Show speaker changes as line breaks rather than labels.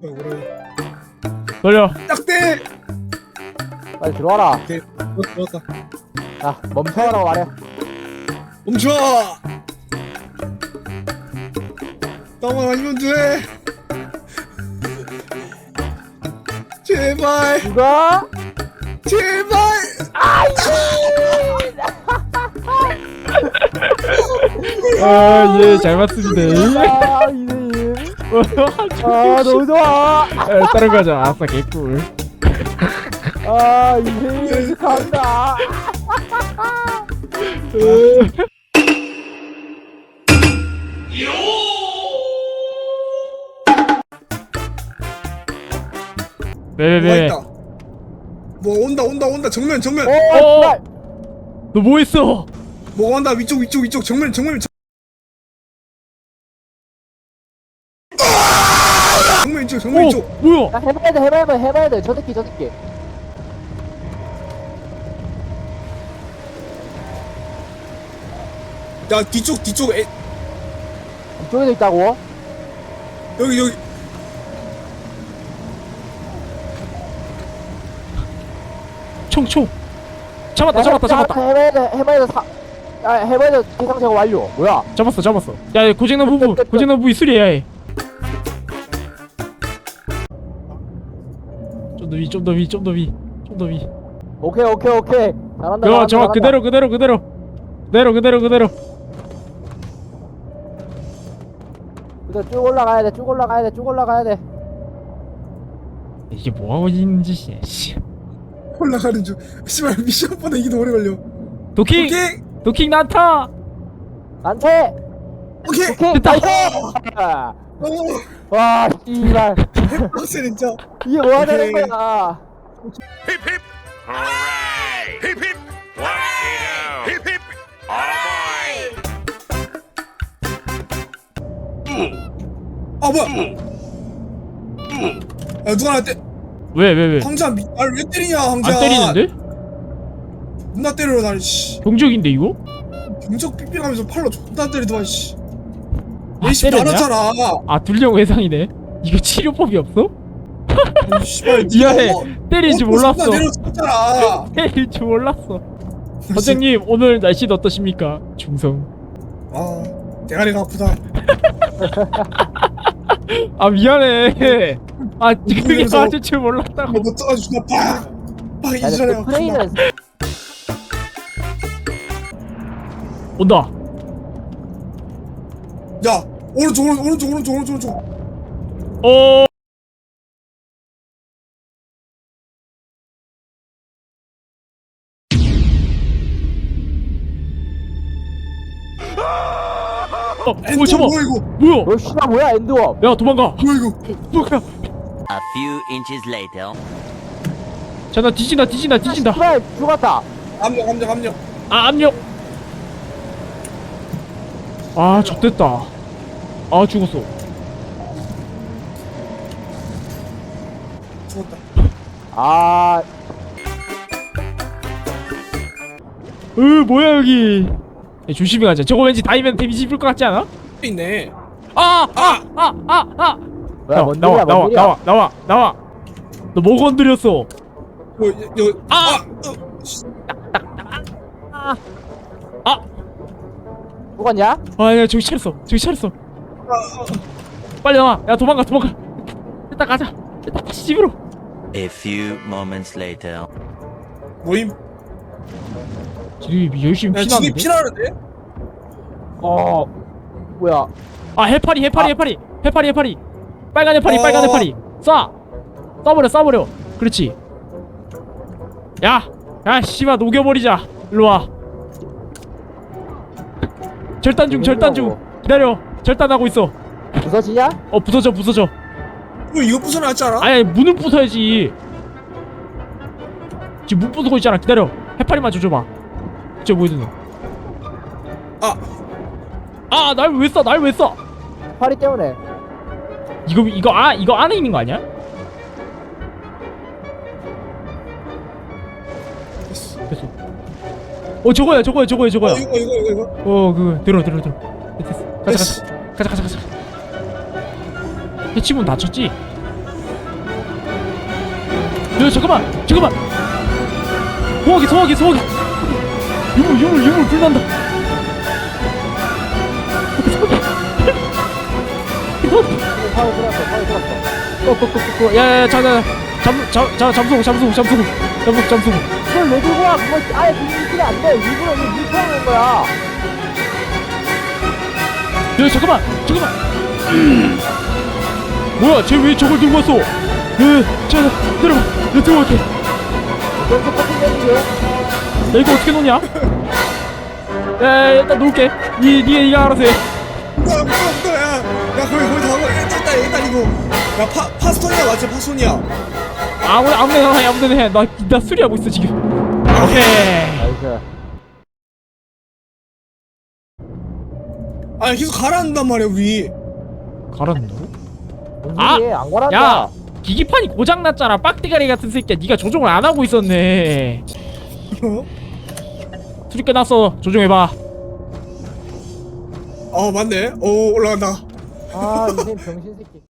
그래.
돌려.
딱대.
빨리 들어와라.
오케이. 들어왔다.
야, 멈춰라고 말해.
멈춰. 나만 아니면 돼. 제발.
누가?
제발.
아, 예, 잘 맞습니다.
아, 이님. 아, 너무 좋아.
다른 거 하자. 아싸, 개꿀.
아, 이님 축하한다.
뭐가
네.
있다. 뭐 온다. 정면.
오,
너 뭐 했어?
뭐가 온다. 위쪽. 정면. 정면 이쪽.
뭐야?
야, 해봐야 돼. 저 새끼.
야, 뒤쪽.
이쪽에도 있다고?
여기.
총. 잡았다.
해봐야 돼. 대상 제거 완료. 뭐야?
잡았어. 야, 고장난 부위 수리해야 해. 좀 더 위.
오케이. 잘한다.
그거 저 그대로.
그대로 쭉 올라가야 돼.
이게 뭐 하고 있는 짓이야, 씨.
올라가는 중. 씨발 미션보다 이게 더 오래 걸려.
도킹 난타.
안돼.
오케이.
됐다.
와, 씨발.
빡세 진짜.
이게 뭐야 되는
오케이.
거야?
Hip hip! Hooray! Hip hip! Waskido! Hip hip! Oh boy!
뭐야? 야 누가 나 때?
왜?
황자 나를 왜 때리냐 황자?
안 때리는데?
존나 때려 날 씨.
병적인데 이거?
경적 삑삑하면서 팔로 존나 때리더만 씨.
아,
내시
때렸냐?
나눴잖아.
아, 둘령 외상이네. 이거 치료법이 없어?
아니, 씨발.
미안해.
니가
때릴 줄 몰랐어.
내려쳤잖아.
때릴 줄 몰랐어. 선생님, 오늘 날씨는 어떠십니까? 중성.
아 대가리가 아프다.
아, 미안해. 아, 그게
그래서-
맞을 줄 몰랐다고.
뭐 떠가지고 존나 팍
야,
이전에
근데 프레이는
온다.
야 오른쪽.
어. 오, 잡아.
뭐야 이거?
뭐야?
너 씨발 뭐야 엔드워?
야, 도망가.
뭐야 이거?
뭐야?
A few inches later.
자, 나 뒤진다.
씨발 죽었다.
함정.
아, 압력. 아, 좆됐다. 아, 죽었어.
죽었다.
아,
뭐야 여기. 야, 조심히 가자. 저거 왠지 다이면 데미지 입을 것 같지 않아?
있네.
아!
뭐야 뭔 일이야?
나와. 너 뭐 건드렸어?
죽었냐?
아, 야, 저기 차렸어. 빨리 나와. 야, 도망가. 일단 가자. 일단 다시 집으로.
A few moments later.
모임.
지금 열심히
야 진이
피나는데?
피나는데?
뭐야?
아, 해파리. 빨간 해파리. 쏴버려. 그렇지. 야, 씨발 녹여버리자. 일로 와. 절단 중. 기다려. 절단하고 있어.
부서지냐?
부서져.
이거 부숴놨지 않아?
아니, 문을 부숴야지. 지금 문 부수고 있잖아. 기다려. 해파리만 줘봐. 저 뭐야 너? 날 왜 쏴?
파리 때문에.
이거 안에 있는 거 아니야? 됐어. 저거야.
이거.
그거 들어. 됐어. 가자. 해치문 다쳤지? 야 잠깐만 소화기 유물 불난다.
파리 들었어.
야야야 잠수고
그걸 왜 들고 와? 그거 아예 들리면 안 돼. 일부러 이거 밀쳐놓은 거야.
야 잠깐만 뭐야 쟤 왜 저걸 들고 왔어? 자 내려봐 내가 들어갈게.
여기서 커피 내는 게.
야 이거 어떻게 놓냐? 야 일단 놓을게. 니가 알아서 해.
뭐야 야 거기 다 먹어. 일단 이거 야 파스토니아 맞지? 파스토니아.
아무데나 해. 나 수리하고 있어 지금. 오케이.
나이스.
아 계속 가라앉는단 말이야 우리.
갈았는다고?
뭔
아!
소리야? 안 갈았다.
야 기기판이 고장났잖아 빡대가리 같은 새끼야. 니가 조종을 안 하고 있었네.
어?
수리 끝났어. 조종해봐.
맞네. 오 올라간다.
아, 인생 병신 새끼.